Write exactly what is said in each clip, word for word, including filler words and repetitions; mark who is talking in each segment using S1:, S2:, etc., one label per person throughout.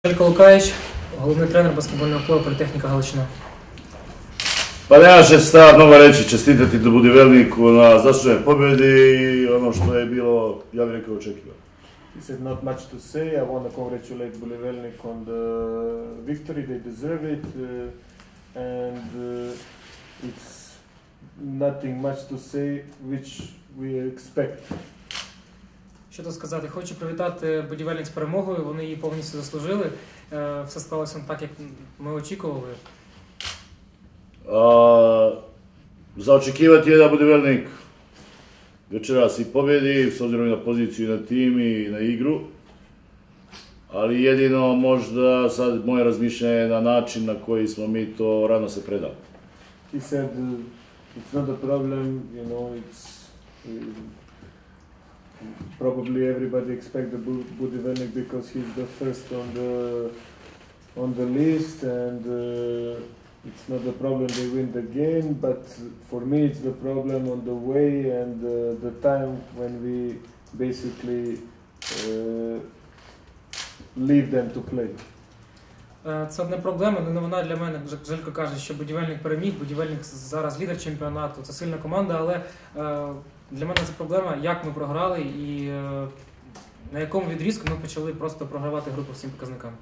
S1: Желько Лукаєвич, головний тренер баскетбольного клубу Політехніка Галичина.
S2: Pa nema še šta mnogo reći, čestitati do Budivelniku na zasluženoj pobjedi i ono što je bilo, ja bih rekao, očekivano.
S3: He said not much to say. I want to congratulate Budivelnik on the victory. They deserve it, uh, and uh, it's nothing much to say, which we expect.
S1: Що тут сказати? Хочу привітати Будівельник з перемогою, вони її повністю заслужили. Все склалося так, як ми очікували.
S2: A, za očekivati je da Budivelnik večeras i pobjedi, s obzirom i na poziciju, i na tim, i na igru. Ali jedino možda sad moje razmišljanje je na način na koji smo mi to rano se predali.
S3: He said uh, it's not a problem, you know, it's uh, probably everybody expect the Budivelnik because he's the first on the on the list, and uh, it's not a problem they win the game, but for me it's the problem on the way and uh, the time when we basically uh, leave them to play.
S1: Це не проблема, не новина для мене. Желько каже, що Будівельник переміг, Будівельник зараз лідер чемпіонату, це сильна команда, але для мене це проблема, як ми програли і на якому відрізку ми почали просто програвати групу всім показникам.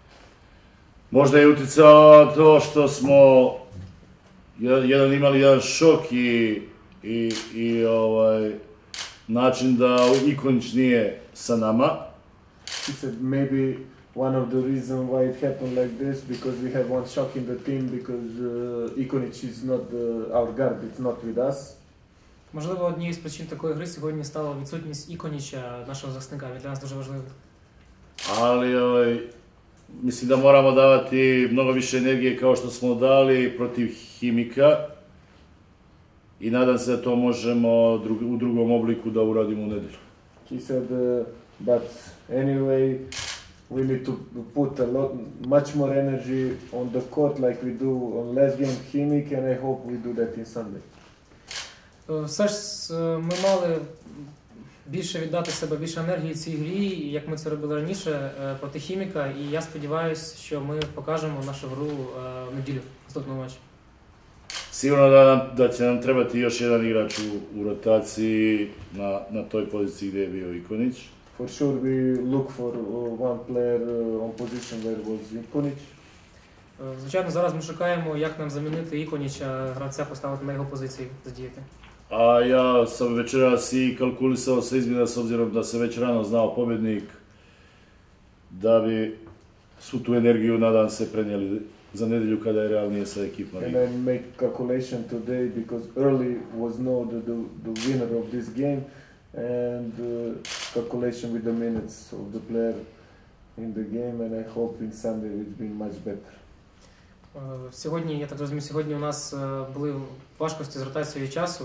S2: Možda je utjecalo to što smo jedan imali jedan šok i, i, i ovaj, način da Ikonić nije sa nama.
S3: He said maybe one of the reasons why it happened like this because we have one shock in the team because uh, Ikonić is not the, our guard, it's not with us.
S1: Можливо, однією з причин такої гри сьогодні стала відсутність Іконіча, нашого захисника. Він для нас дуже важливий.
S2: Ali ovaj, mislim da moramo davati mnogo više energije kao što smo dali protiv Himika i nadam se da to možemo drug, u drugom obliku da uradimo u nedjelju.
S3: He said, uh, but anyway, we need to put a lot, much more energy on the court like we do on last game Himik, and I hope we do that in Sunday.
S1: Все ж ми мали більше віддати себе, більше енергії цій грі, як ми це робили раніше проти Хіміка, і я сподіваюся, що ми покажемо нашу гру в неділю, в наступному матчі.
S2: Sigurno da, nam, da će nam trebati još jedan igrač u, u rotaciji na, na toj poziciji gdje je bio Ikonić.
S3: For sure we look for one player on position where was Ikonić.
S1: Звичайно, зараз ми шукаємо, як нам замінити Ikonića, гравця поставити на його позиції, задіяти.
S2: A ja sam večeras i kalkulisao sa izmjena s obzirom da se već rano znao pobjednik, da bi svu tu energiju, nadam se, prenijeli za nedjelju kada je realnije sa ekipom.
S3: And I make calculation today because early was known the, the, the winner of this game, and uh, calculation with the minutes of the player in the game, and I hope in Sunday it's been much better.
S1: Сьогодні, я так розумію, сьогодні у нас були важкості з ротацією часу,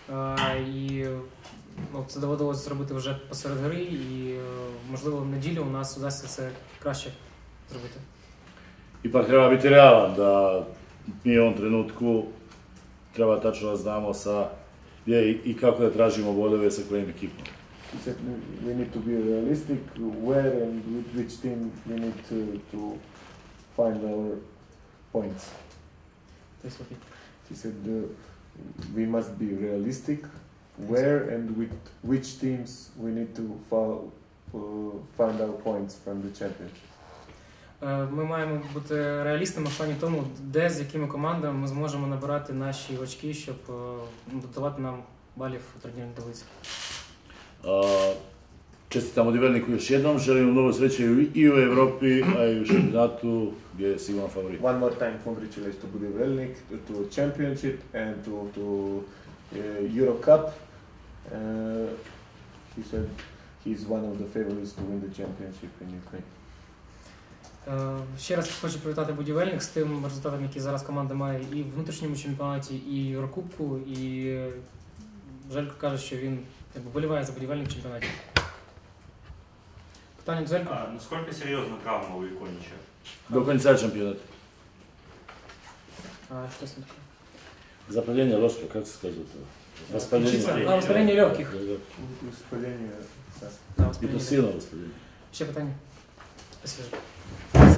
S1: і ну, це доводилося зробити вже посеред гри, і можливо в неділю у нас вдасться це краще зробити.
S2: Ipak treba biti realan da mi u ovom trenutku treba tačno da znamo sa gdje i kako da tražimo bodove sa kojim ekipom.
S3: He said we need to be realistic, where and with which team we need to, to find our points. He said uh, we must be realistic, where and with which teams we need to follow, uh, find our points from the championship.
S1: Ми маємо бути реалістами в плані тому, де, з якими командами ми зможемо набирати наші очки, щоб додавати нам балів у турнірній таблиці.
S2: Čestitam Budivelniku još jednom, želim mnogo sreće i u Evropi, a i u šampionatu gdje je sigurno favorit.
S3: One more time congratulations to Budivelnik, to, to championship and to, to uh, Euro Cup. Uh, he said he's one of the favorites to win the championship in Ukraine.
S1: Ще раз хочу привітати Будівельник з тим результатом, який зараз команда має і в внутрішньому чемпіонаті, і в Єврокубку, і Желько каже, що він вболіває за Будівельник в чемпіонаті. Питання до Желько.
S4: А насколько серьезна травма у Ikonića?
S2: До конца чемпионата.
S1: А что с ним такое?
S2: Запаление ложка, как сказать? Воспаление.
S1: А, воспаление легких.
S3: Воспаление, да.
S1: Да,
S2: И
S1: воспаление.
S2: то сильное воспаление.
S1: Ще питання? Спасибо.